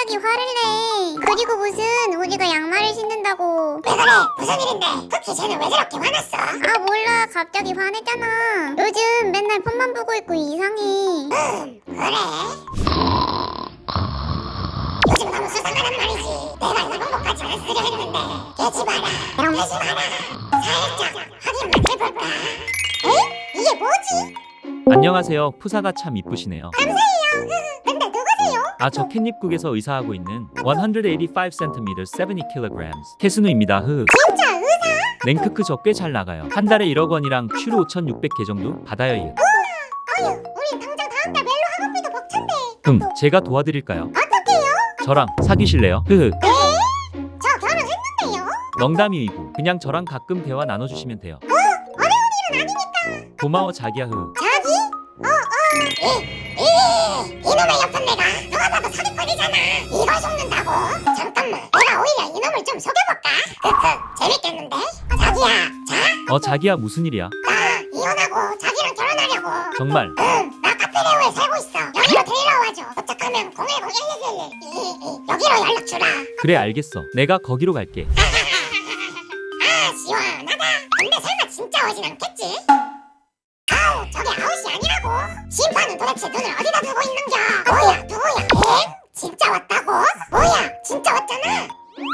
갑자기 화를 내? 그리고 무슨 우리가 양말을 신는다고. 왜 그래? 무슨 일인데? 쿠키 쟤는 왜 저렇게 화났어? 아 몰라, 갑자기 화냈잖아. 요즘 맨날 폰만 보고 있고 이상해. 그래? 요즘 너무 수상하단 말이지. 내가 이런 것까지 안 쓰려 했는데 깨지 마라, 깨지 마라. 살짝 확인만 해볼까? 에? 이게 뭐지? 안녕하세요. 푸사가 참 이쁘시네요. 감사해요. 근데 누구세요? 아, 저 캣닙국에서 의사하고 있는 185cm 70kg 태순우입니다. 진짜 의사? 랭크크 저 꽤 잘 나가요. 한 달에 1억 원이랑 슈로 5,600개 정도 받아요. 어휴, 우린 당장 다음 달 멜로 학원비도 벅찬데. 제가 도와드릴까요? 어떡해요? 저랑 사귀실래요? 저 결혼했는데요? 농담이고 그냥 저랑 가끔 대화 나눠주시면 돼요. 어려운 일은 아니니까. 고마워 자기야. 자기? 이놈의 옆은 내가 누가 봐도 사기꾼이잖아. 이걸 속는다고? 잠깐만, 내가 오히려 이놈을 좀 속여볼까? 재밌겠는데? 자기야, 자기야 무슨 일이야? 나 이혼하고 자기랑 결혼하려고. 정말? 나 카페레오에 살고 있어. 여기로 데리러 와줘. 도착하면 0101111 여기로 연락 주라. 그래 알겠어. 내가 거기로 갈게. 아, 시원하다. 근데 설마 진짜 오진 않겠지? 아우, 저게 아웃이 아니라고. 심판은 도대체 눈을 어디다 두고 있는겨? 뭐야, 누구야? 엥? 진짜 왔다고? 뭐야, 진짜 왔잖아.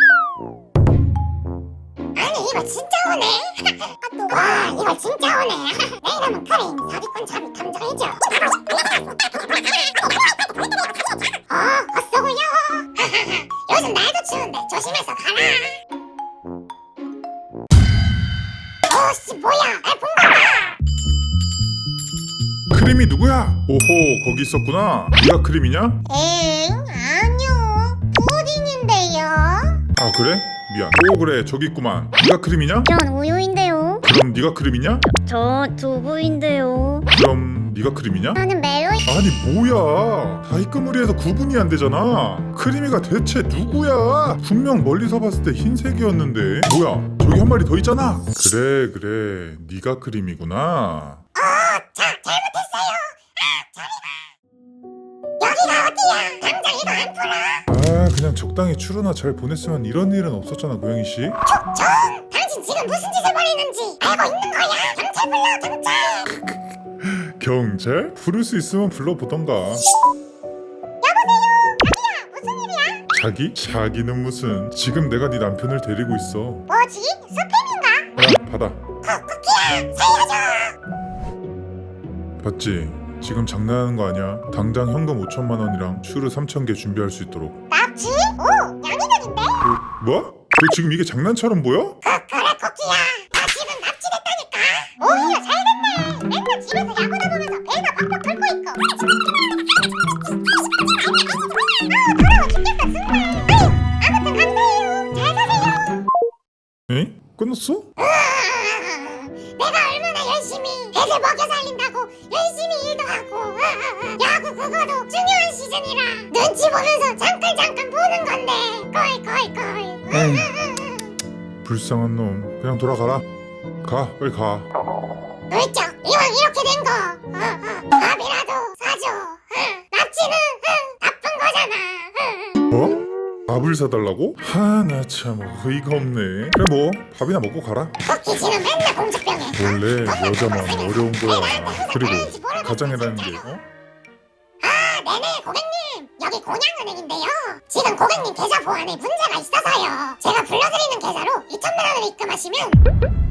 아니, 이거 진짜 오네. 와, 이거 진짜 오네. 내 이름은 크레인, 사기꾼 자비 탐정이죠. 헛소구려. 요즘 날도 추운데 조심해서 가라. 오씨, 뭐야? 본거다. 크림이 누구야? 오호, 거기 있었구나. 네가 크림이냐? 엥? 아니요. 푸딩인데요. 아 그래? 미안. 오 그래, 저기 있구만. 네가 크림이냐? 전 우유인데요. 그럼 네가 크림이냐? 저 두부인데요. 그럼 네가 크림이냐? 저는 멜로. 아니 뭐야, 다이끄무리에서 구분이 안 되잖아. 크림이가 대체 누구야? 분명 멀리서 봤을 때 흰색이었는데. 뭐야, 저기 한 마리 더 있잖아. 그래, 네가 크림이구나. 잘못했어요. 여기가 어디야? 당장 이거 안 풀어. 아 그냥 적당히 추루나 잘 보냈으면 이런 일은 없었잖아, 고양이씨. 정, 당신 지금 무슨 짓을 벌이는지 알고 있는 거야? 경찰 불러, 경찰. 경찰? 부를 수 있으면 불러보던가. 무슨 일이야? 자기는 무슨. 지금 내가 네 남편을 데리고 있어. 뭐지? 스팸인가? 야 받아. 쿠키야, 살려줘. 봤지? 지금 장난하는 거 아니야? 당장 현금 5천만 원이랑 슈르 3,000개 준비할 수 있도록. 납치? 오, 양이득인데? 뭐? 너 지금 이게 장난처럼 보여? 그래, 쿠키야. 나 지금 납치됐다니까. 오히려 잘됐네. 맨날 집에서 야구다 보면서 배가 팍팍 끓고 있고. 더러워 죽겠어, 정말. 아무튼 감사해요. 잘 사세요. 에? 끝났어? 내가 얼마나 열심히 애들 먹여 살린다고 열심히 일도 하고 야구 그거도 중요한 시즌이라 눈치 보면서 잠깐 보는 건데 걸. 불쌍한 놈. 그냥 돌아가라. 가, 빨리 가. 물쩍 이왕 이렇게 된 거 밥이라도 사줘. 납치는 나쁜 거잖아. 뭐? 밥을 사달라고? 하나 참 어이가 없네. 그래 뭐 밥이나 먹고 가라. 쿠키지는 맨날 공주병에. 원래 여자만 어려운 거야. 그리고 가장이라는 게 네네, 고객님. 여기 곤양은행인데요. 지금 고객님 계좌 보안에 문제가 있어서요. 제가 불러드리는 계좌로 2천만 원을 입금하시면